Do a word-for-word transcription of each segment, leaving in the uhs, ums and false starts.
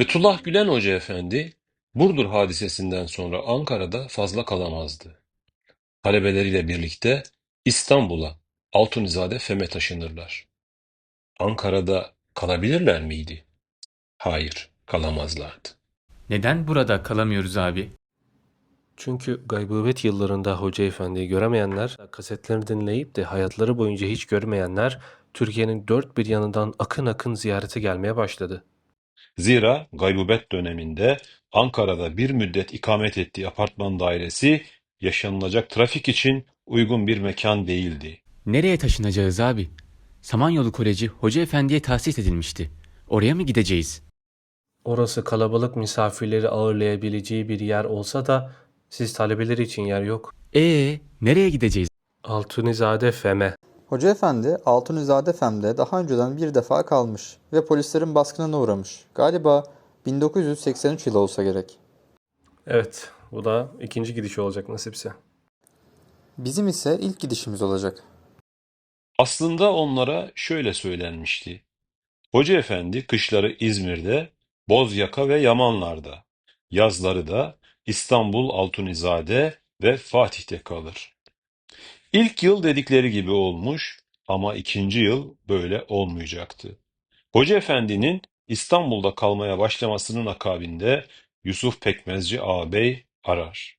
Fethullah Gülen Hoca Efendi, Burdur hadisesinden sonra Ankara'da fazla kalamazdı. Talebeleriyle birlikte İstanbul'a, Altunizade Fem'e taşınırlar. Ankara'da kalabilirler miydi? Hayır, kalamazlardı. Neden burada kalamıyoruz abi? Çünkü gaybıbet yıllarında Hoca Efendi'yi göremeyenler, kasetlerini dinleyip de hayatları boyunca hiç görmeyenler, Türkiye'nin dört bir yanından akın akın ziyarete gelmeye başladı. Zira gaybubet döneminde Ankara'da bir müddet ikamet ettiği apartman dairesi yaşanılacak trafik için uygun bir mekan değildi. Nereye taşınacağız abi? Samanyolu Koleji Hoca Efendi'ye tahsis edilmişti. Oraya mı gideceğiz? Orası kalabalık misafirleri ağırlayabileceği bir yer olsa da siz talebeler için yer yok. Ee, nereye gideceğiz? Altunizade Fem'e. Hoca Efendi, Altunizade Fem'de daha önceden bir defa kalmış ve polislerin baskınına uğramış. Galiba bin dokuz yüz seksen üç yılı olsa gerek. Evet, bu da ikinci gidiş olacak nasipse. Bizim ise ilk gidişimiz olacak. Aslında onlara şöyle söylenmişti. Hoca Efendi kışları İzmir'de, Bozyaka ve Yamanlar'da, yazları da İstanbul, Altunizade ve Fatih'te kalır. İlk yıl dedikleri gibi olmuş ama ikinci yıl böyle olmayacaktı. Hoca Efendi'nin İstanbul'da kalmaya başlamasının akabinde Yusuf Pekmezci ağabey arar.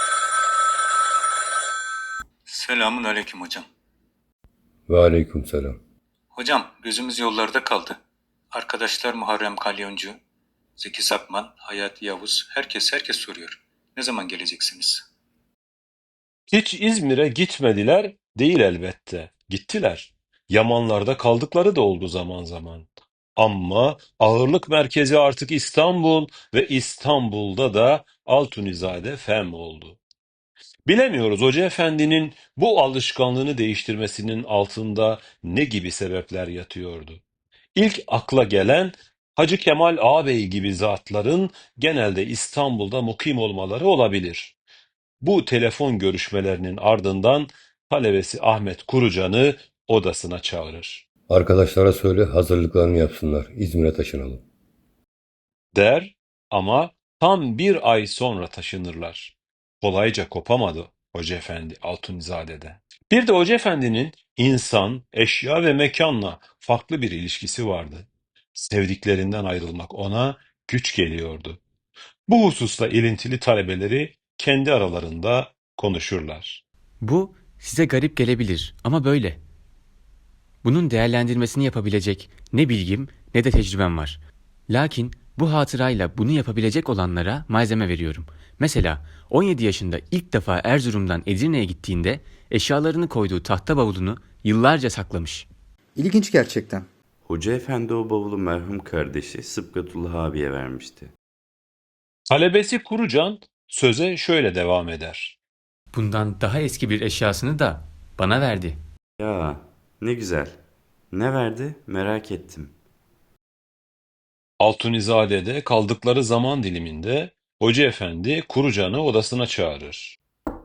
Selamun aleyküm hocam. Ve aleykümselam. Hocam gözümüz yollarda kaldı. Arkadaşlar Muharrem Kalyoncu, Zeki Sakman, Hayati Yavuz, herkes herkes soruyor. Ne zaman geleceksiniz? Hiç İzmir'e gitmediler değil elbette. Gittiler. Yamanlarda kaldıkları da oldu zaman zaman. Ama ağırlık merkezi artık İstanbul ve İstanbul'da da Altunizade Fem oldu. Bilemiyoruz Hoca Efendi'nin bu alışkanlığını değiştirmesinin altında ne gibi sebepler yatıyordu. İlk akla gelen Hacı Kemal Ağabey gibi zatların genelde İstanbul'da mukim olmaları olabilir. Bu telefon görüşmelerinin ardından talebesi Ahmet Kurucan'ı odasına çağırır. Arkadaşlara söyle hazırlıklarını yapsınlar. İzmir'e taşınalım. Der ama tam bir ay sonra taşınırlar. Kolayca kopamadı Hoca Efendi Altunizade'den. Bir de Hoca Efendi'nin insan, eşya ve mekanla farklı bir ilişkisi vardı. Sevdiklerinden ayrılmak ona güç geliyordu. Bu hususta ilintili talebeleri kendi aralarında konuşurlar. Bu size garip gelebilir ama böyle. Bunun değerlendirmesini yapabilecek ne bilgim ne de tecrübem var. Lakin bu hatırayla bunu yapabilecek olanlara malzeme veriyorum. Mesela on yedi yaşında ilk defa Erzurum'dan Edirne'ye gittiğinde eşyalarını koyduğu tahta bavulunu yıllarca saklamış. İlginç gerçekten. Hoca Efendi o bavulu merhum kardeşi Sıbgatullah abiye vermişti. Talebesi Kurucan söze şöyle devam eder. Bundan daha eski bir eşyasını da bana verdi. Ya ne güzel. Ne verdi merak ettim. Altunizade'de kaldıkları zaman diliminde Hoca Efendi Kurucan'ı odasına çağırır.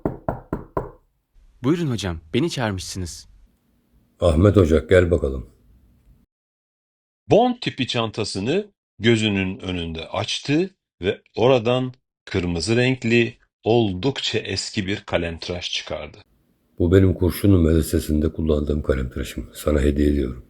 Buyurun hocam, beni çağırmışsınız. Ahmet Hoca gel bakalım. Bond tipi çantasını gözünün önünde açtı ve oradan kırmızı renkli oldukça eski bir kalemtıraş çıkardı. Bu benim Kurşunlu medresesinde kullandığım kalemtıraşım. Sana hediye ediyorum.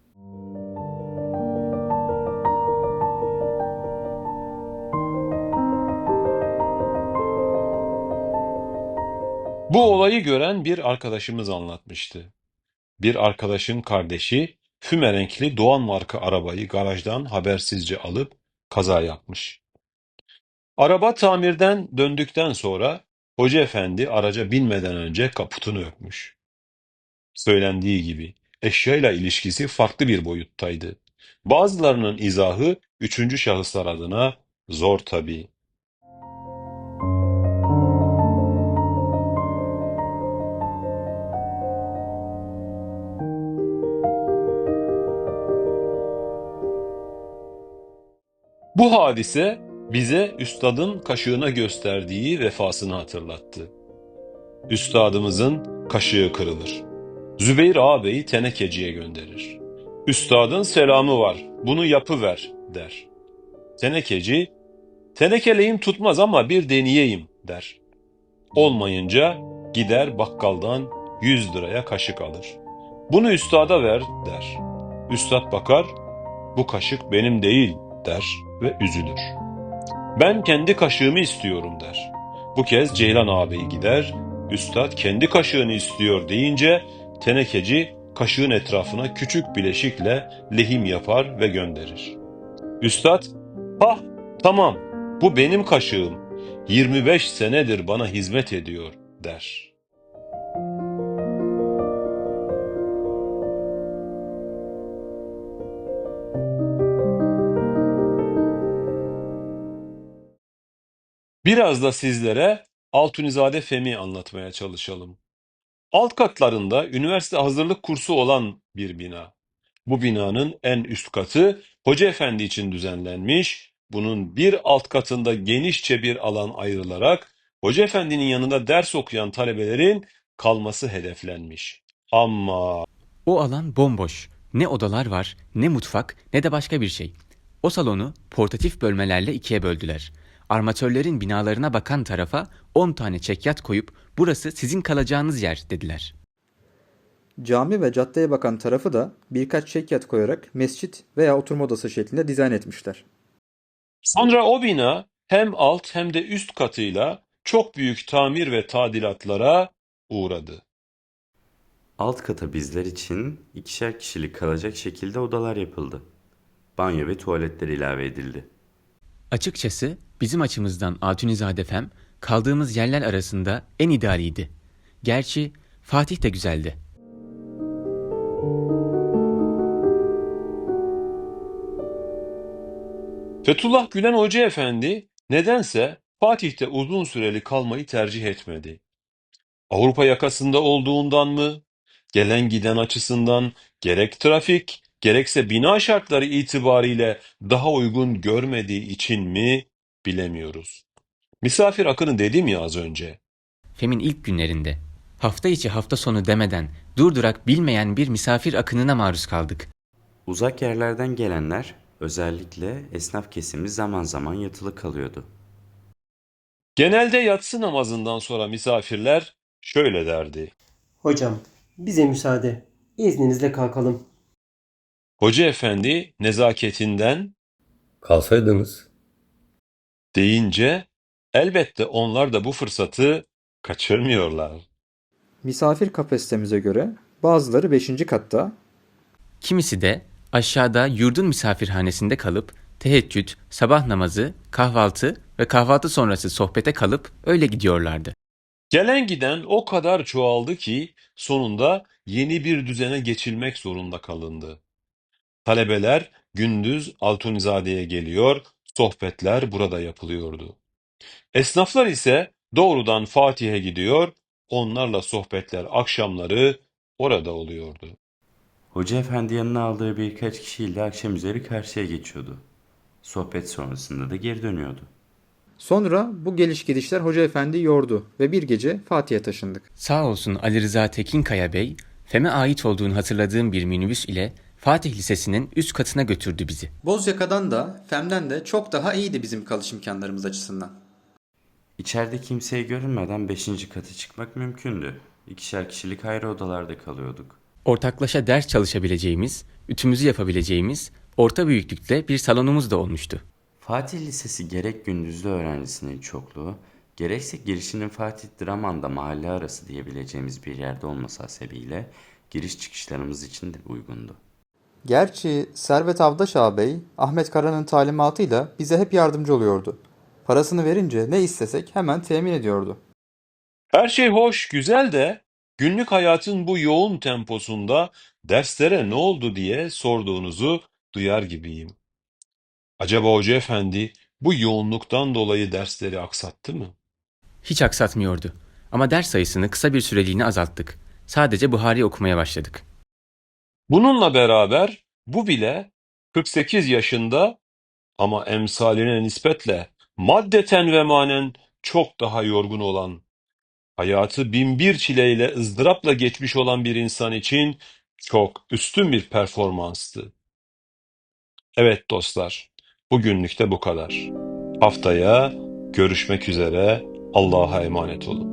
Bu olayı gören bir arkadaşımız anlatmıştı. Bir arkadaşın kardeşi füme renkli Doğan marka arabayı garajdan habersizce alıp kaza yapmış. Araba tamirden döndükten sonra Hoca Efendi araca binmeden önce kaputunu öpmüş. Söylendiği gibi eşyayla ilişkisi farklı bir boyuttaydı. Bazılarının izahı üçüncü şahıslar adına zor tabii. Bu hadise bize üstadın kaşığına gösterdiği vefasını hatırlattı. Üstadımızın kaşığı kırılır. Zübeyir ağabeyi tenekeciye gönderir. Üstadın selamı var, bunu yapıver der. Tenekeci, tenekeleğim tutmaz ama bir deneyeyim der. Olmayınca gider bakkaldan yüz liraya kaşık alır. Bunu üstada ver der. Üstad bakar, bu kaşık benim değil der ve üzülür. Ben kendi kaşığımı istiyorum der. Bu kez Ceylan ağabey gider, üstad kendi kaşığını istiyor deyince tenekeci kaşığın etrafına küçük bileşikle lehim yapar ve gönderir. Üstad, "Hah, tamam, bu benim kaşığım. yirmi beş senedir bana hizmet ediyor." der. Biraz da sizlere Altunizade Fem'i anlatmaya çalışalım. Alt katlarında üniversite hazırlık kursu olan bir bina. Bu binanın en üst katı Hoca Efendi için düzenlenmiş, bunun bir alt katında genişçe bir alan ayrılarak Hoca Efendi'nin yanında ders okuyan talebelerin kalması hedeflenmiş. Ama O alan bomboş. Ne odalar var, ne mutfak, ne de başka bir şey. O salonu portatif bölmelerle ikiye böldüler. Armatörlerin binalarına bakan tarafa on tane çekyat koyup burası sizin kalacağınız yer dediler. Cami ve caddeye bakan tarafı da birkaç çekyat koyarak mescit veya oturma odası şeklinde dizayn etmişler. sonra o bina hem alt hem de üst katıyla çok büyük tamir ve tadilatlara uğradı. Alt kata bizler için ikişer kişilik kalacak şekilde odalar yapıldı. Banyo ve tuvaletler ilave edildi. Açıkçası bizim açımızdan Altunizade Fem kaldığımız yerler arasında en idealiydi. Gerçi Fatih de güzeldi. Fethullah Gülen Hoca Efendi nedense Fatih'te uzun süreli kalmayı tercih etmedi. Avrupa yakasında olduğundan mı, gelen giden açısından gerek trafik gerekse bina şartları itibariyle daha uygun görmediği için mi bilemiyoruz. Misafir akını dedim ya az önce. Fem'in ilk günlerinde hafta içi hafta sonu demeden durdurak bilmeyen bir misafir akınına maruz kaldık. Uzak yerlerden gelenler, özellikle esnaf kesimi zaman zaman yatılı kalıyordu. Genelde yatsı namazından sonra misafirler şöyle derdi. Hocam, bize müsaade. İzninizle kalkalım. Hoca Efendi nezaketinden Kalsaydınız. deyince elbette onlar da bu fırsatı kaçırmıyorlar. Misafir kapasitemize göre bazıları beşinci katta, Kimisi de aşağıda yurdun misafirhanesinde kalıp teheccüd, sabah namazı, kahvaltı ve kahvaltı sonrası sohbete kalıp öyle gidiyorlardı. Gelen giden o kadar çoğaldı ki sonunda yeni bir düzene geçilmek zorunda kalındı. Talebeler gündüz Altunizade'ye geliyor, sohbetler burada yapılıyordu. Esnaflar ise doğrudan Fatih'e gidiyor, onlarla sohbetler akşamları orada oluyordu. Hoca efendi yanına aldığı birkaç kişiyle akşam üzeri karşıya geçiyordu. Sohbet sonrasında da geri dönüyordu. sonra bu geliş gidişler Hoca Efendi yordu ve bir gece Fatih'e taşındık. Sağ olsun Ali Rıza Tekinkaya Bey, Fem'e ait olduğunu hatırladığım bir minibüs ile Fatih Lisesi'nin üst katına götürdü bizi. Bozyaka'dan da Fem'den de çok daha iyiydi bizim kalış imkanlarımız açısından. İçeride kimseye görünmeden beşinci kata çıkmak mümkündü. İkişer kişilik ayrı odalarda kalıyorduk. Ortaklaşa ders çalışabileceğimiz, ütümüzü yapabileceğimiz orta büyüklükte bir salonumuz da olmuştu. Fatih Lisesi gerek gündüzlü öğrencisinin çokluğu, gerekse girişinin Fatih Draman'da mahalle arası diyebileceğimiz bir yerde olması hasebiyle giriş çıkışlarımız için de uygundu. Gerçi Servet Avdaş ağabey, Ahmet Kara'nın talimatıyla bize hep yardımcı oluyordu. Parasını verince ne istesek hemen temin ediyordu. Her şey hoş, güzel de günlük hayatın bu yoğun temposunda derslere ne oldu diye sorduğunuzu duyar gibiyim. Acaba Hoca Efendi bu yoğunluktan dolayı dersleri aksattı mı? Hiç aksatmıyordu. Ama ders sayısını kısa bir süreliğine azalttık. Sadece Buhari okumaya başladık. Bununla beraber bu bile kırk sekiz yaşında ama emsaline nispetle maddeten ve manen çok daha yorgun olan, hayatı binbir çileyle ızdırapla geçmiş olan bir insan için çok üstün bir performanstı. Evet dostlar, Bugünlük de bu kadar. Haftaya görüşmek üzere. Allah'a emanet olun.